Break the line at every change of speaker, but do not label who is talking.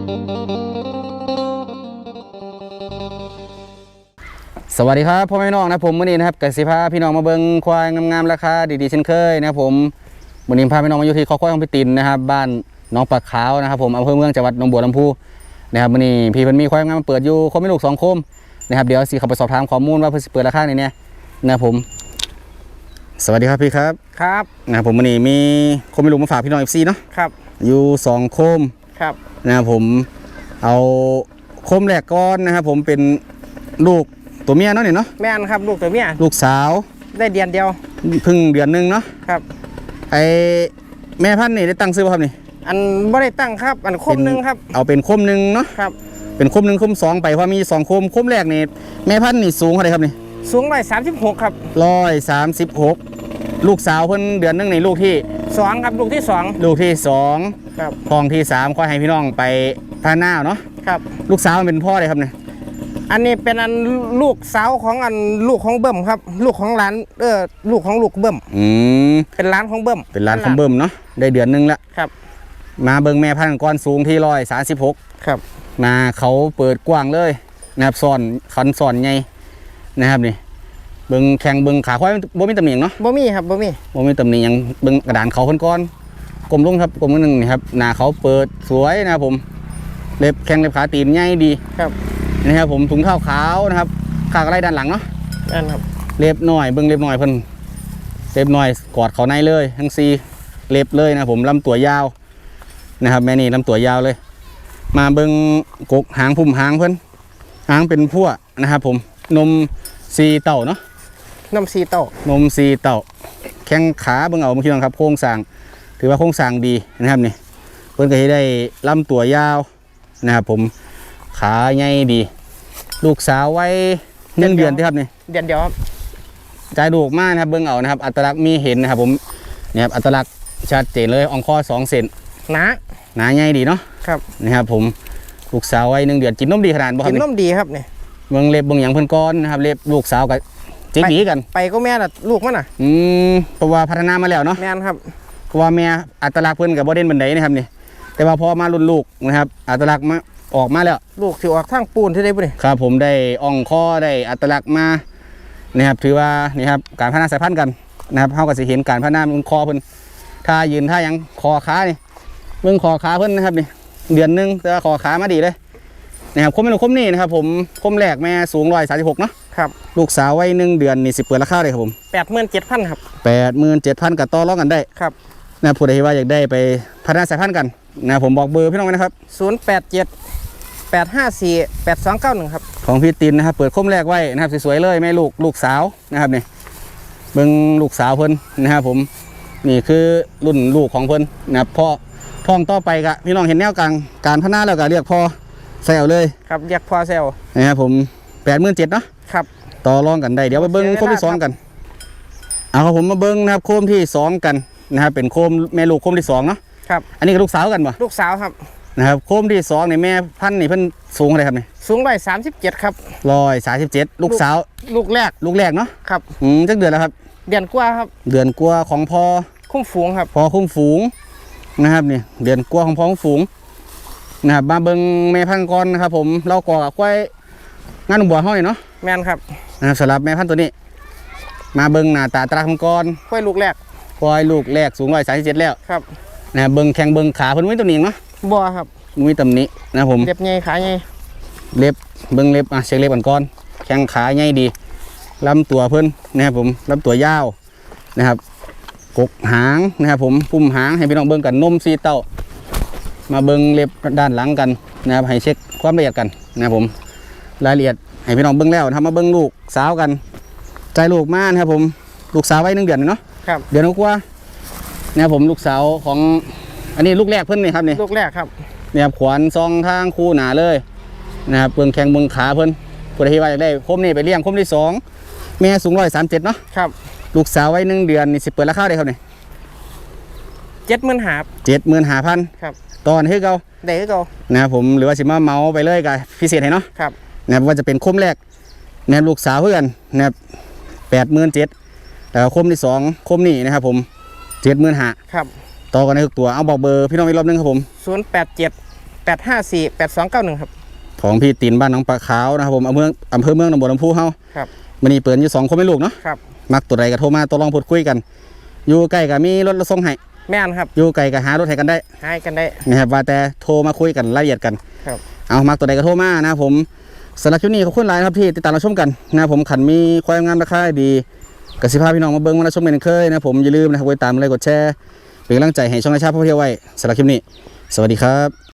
สวัสดีครับพ่อแม่น้องนะผมวันนี้นะครับกสิพาพี่น้องมาเบิ่งควายงามๆราคาดีๆเช่นเคยนะครับผมวันนี้พาพี่น้องมาอยู่ที่คอกควายของพี่ตินนะครับบ้านน้องปลาขาวนะครับผมอำเภอเมืองจังหวัดหนองบัวลำพูนะครับวันนี้พี่เพิ่นมีควายงามมาเปิดอยู่คมไม่ลูก2 คมนะครับเดี๋ยวสิเข้าไปสอบถามข้อมูลว่าเพิ่นสิเปิดราคาไหนเนี่ยนะครับผมสวัสดีครับพี่ครับ
ครับ
นะครับผมวันนี้มีคมไม่ลูกมาฝากพี่น้อง FC เนาะ
ครับ
อยู่2 คม
ครับ
นะครับผมเอาคมแรกก่อนนะครับผมเป็นลูกตัวเมียเนาะเนี่ยเนาะ
แม่นครับลูกตัวเมีย
ลูกสาว
ได้เดือนเดียว
เพิ่งเดือนนึงเนาะ
ครับ
ไอแม่พันธุ์นี่ได้ตั้งซื้อป่ะครับนี่
อันบ่ได้ตั้งครับอันคมนึงครับ
เอาเป็นคมนึงเนาะ
ครับ
เป็นคมนึงคม2ไปเพราะมี2 คมแรกนี่แม่พันธุ์นี่สูงเท่าไหร่ครับนี่
สูง136ครับ
136ลูกสาวเพิ่นเดือนนึงในลูกที่
2ครับลูกที่2
ลูกที่2
ครับ
ทองที่3ค่อยให้พี่น้องไปพาหน้าเนาะ
ครับ
ลูกสาวมันเป็นพ่อเลยครับเนี่ย
อันนี้เป็นอันลูกสาวของอันลูกของเบิ่มครับลูกของหลานลูกของลูกเบิ่มเป็นหลานของเบิ่ม
เป็นหลานของเบิ่มเนาะได้เดือนนึงแล้ว
ครับ
มาเบิ่งแม่พันธุ์ก้อนสูงที่136
ครับ
มาเขาเปิดกว้างเลยนะครับซ่อนคันซ่อนใหญ่นะครับนี่เบิ่งแข้งเบิ่งขาควายบ่มีตำหนิเนาะ
บ่มีครับบ่
มีตำหนิยังเบิ่งกระดานเขาเพิ่นก่อนกลมลงครับกลมนึงนี่ครับหน้าเขาเปิดสวยนะครับผมเล็บแข้งเล็บขาตีนใหญ่ดี
ครับ
นะครับผมถุงเท้าขาวนะครับขากระไรด้านหลังเนาะ
นั่นครับ
เล็บหน่อยเบิ่งเล็บหน่อยเพิ่นเล็บหน่อยกอดเขาในเลยทั้ง4เล็บเลยนะผมลำตัวยาวนะครับแม่นี่ลำตัวยาวเลยมาเบิ่งกกหางพุ่มหางเพิ่นหางเป็นพั่วนะครับผมนม4 เต่าเนาะ
นม4 เต่าน
ม4 เต่าแข้งขาเบิ่งเอาเมื่อกี้นะครับโครงสร้างถือว่าโครงสร้างดีนะครับนี่เพิ่นก็ได้ลำตัวยาวนะครับผมขาใหญ่ดีลูกสาวไว้1 เดือนที่ครับนี่
เดือนเดียวครับ
ใจลูกมากนะครับเบิ่งเอานะครับอัตลักษณ์มีเห็นนะครับผมเนี่ยครับอัตลักษณ์ชัดเจนเลยอ่องคอ2 เซน
ห
นาใหญ่ดีเนาะ
ครับ
นะครับผมลูกสาวไว้1 เดือนกินนมดีขนาดบ่ครับ
กินนมดีครับนี่
เบิ่งเล็บเบิ่งหยังเพิ่นก้อนนะครับเล็บลูกสาวกับเจ๊กดีกัน
ไปก็แม่น่ะลูกมันน่ะ
เพราะว่าพัฒนามาแล้วเนาะ
แม่นครับ
เพราะว่าแม่อัตลักษณ์เพิ่นกับบ่เด่นบันไดนะครับนี่แต่ว่าพอมารุ่นลูกนะครับอัตลักษณ์มาออกมาแล้ว
ลูกที่ออกทางปูนที่ได้บ่นี่
ครับผมได้อ่องคอได้อัตลักษณ์มานะครับถือว่านี่ครับการพัฒนาสายพันธุ์กันนะครับเฮาก็สิเห็นการพัฒนาคอเพิ่นถ้ายืนถ้ายังคอขานี่เบิ่งคอขาเพิ่นนะครับนี่เดือนนึงแต่ว่าคอขามาดีเลยนะครับคมเป็นคมนี่นะครับผมคมแรกแม่สูง136เนาะ
ครับ
ลูกสาวไว้1 เดือนนี่สิเปิดราคาเลยครับผม
87,000 ครับ
87,000กับต่อรองกันได้
ครับ
นะผู้ใดว่าอยากได้ไปพัฒนาสายพันธุ์กันนะผมบอกเบอร์พี่น้องไว้นะครับ
087-854-8291ครับ
ของพี่ตินนะครับเปิดคมแรกไว้นะครับสวยๆเลยแม่ลูกสาวนะครับนี่เบิ่งลูกสาวเพิ่นนะครับผมนี่คือรุ่นลูกของเพิ่นนะครับพ่อท้องต่อไปกะพี่น้องเห็นแนวกลางการพัฒนาแล้วก็เรียกพ่อแซวเลย
ครับเรียกพ่อแซว
นะครับผม87,000เนาะ
ครับ
ต่อรองกันได้เดี๋ยวไปเบิ้งโคมที่2กันเอาครับผมมาเบิ้งนะครับโคมที่2กันนะครับเป็นโคมแม่ลูกโคมที่2เนาะ
ครับ
อันนี้ก็ลูกสาวกันป่ะ
ลูกสาวครับ
นะครับโคมที่2เนี่ยแม่พันธุ์นี่เพิ่นสูงอะไรครับนี่
สูง137ครับ
137ลูกสาว
ลูกแรก
เนาะ
ครับ
จักเดือนแล้วครับ
เดือนกว่าครับ
เดือนกว่าของพ่อ
คุ้มฝูงครับ
พ่อคุ้มฝูงนะครับนี่เดือนกว่าของพ่อคุ้มฝูงนะครับมาเบิ้งแม่พันธุ์ก่อนนะครับผมเราก่อกับควายงานบัวห้อยเนาะ
แม่นครับ
นะครับสำหรับแม่พันธุ์ตัวนี้มาเบิ้งหน้าตาตราของก้อน
ควายลูกแรก
สูง137แล้ว
ครับ
นะเบิ้งแข้งเบิ้งขาเพิ่นมีตัวนี้เนาะ
บ่ครับ
มีตำหนินะผม
เล็บใหญ่ขาใหญ่
เล็บเบิ้งเล็บเช็คเล็บก่อนแข้งขาใหญ่ดีลำตัวเพิ่นนะครับผมลำตัวยาวนะครับกกหางนะครับผมพุ่มหางให้พี่น้องเบิ้งกันนม4 เต้ามาเบิ้งเล็บด้านหลังกันนะครับให้เช็คความละเอียดกันนะครับผมรายละเอียดให้พี่น้องเบิ้งแล้วทำมาเบิ้งลูกสาวกันใจลูกมากนะครับผมลูกสาวไว้1 เดือนเนาะ
ครับ
เดือนกว่านะครับผมลูกสาวของอันนี้ลูกแรกเพิ่นนี่ครับนี่
ลูกแรกครับ
เนี่ยขวานซองทางคู่หนาเลยนะครับเบิ้งแข้งเบิ้งขาเพิ่นผู้ใดที่ว่าอยากได้คมนี่ไปเลี้ยงคมที่2แม่สูง137เนาะ
ครับ
ลูกสาวไว้1 เดือนนี่สิเปิดราคาได้ครับนี่
75,000ครับ
ตอนให้เก่า
ได้ให้เก่า
นะครับผมหรือว่าสิมาเมาไปเลยกับพิเศษให้เนาะ
ครับ
นะครับว่าจะเป็นคมแรกนะครับลูกสาวเพื่อนนะครับ87,000แต่คมที่2คมนี่นะครับผม75,000
ครับ
ต่อกันในทุกตัวเอาบอกเบอร์พี่น้องอีกรอบนึงครับผม
087 08548291ครับ
ของพี่ตินบ้านหนองปลาขาวนะครับผมอำเภอเมืองตำบลลำพูเฮา
ครับ
มื้อนี้เปิดอยู่2คนแม่ลูกเนาะ
ครับ
มักตัวใดก็โทรมาตัวลองพูดคุยกันอยู่ใกล้ก็มีรถส่งให้
แม่นครับ
อยู่ไกลก็หารถให้กันได้
ให้กันได้
นะครับว่าแต่โทรมาคุยกันรายละเอียดกัน
ครับ
เอามักตัวใดก็โทรมานะครับผมสำหรับคลิปนี้ขอบคุณหลายนะครับที่ติดตามรับชมกันนะครับผมขันมีความงามราคาดีกสิภาพี่น้องมาเบิ้งมารับชมกันเคยนะครับผมอย่าลืมนะครับกดติดตามเลยกดแชร์เป็นกำลังใจให้ช่องราชาพ่อเที่ยวไว้สำหรับคลิปนี้สวัสดีครับ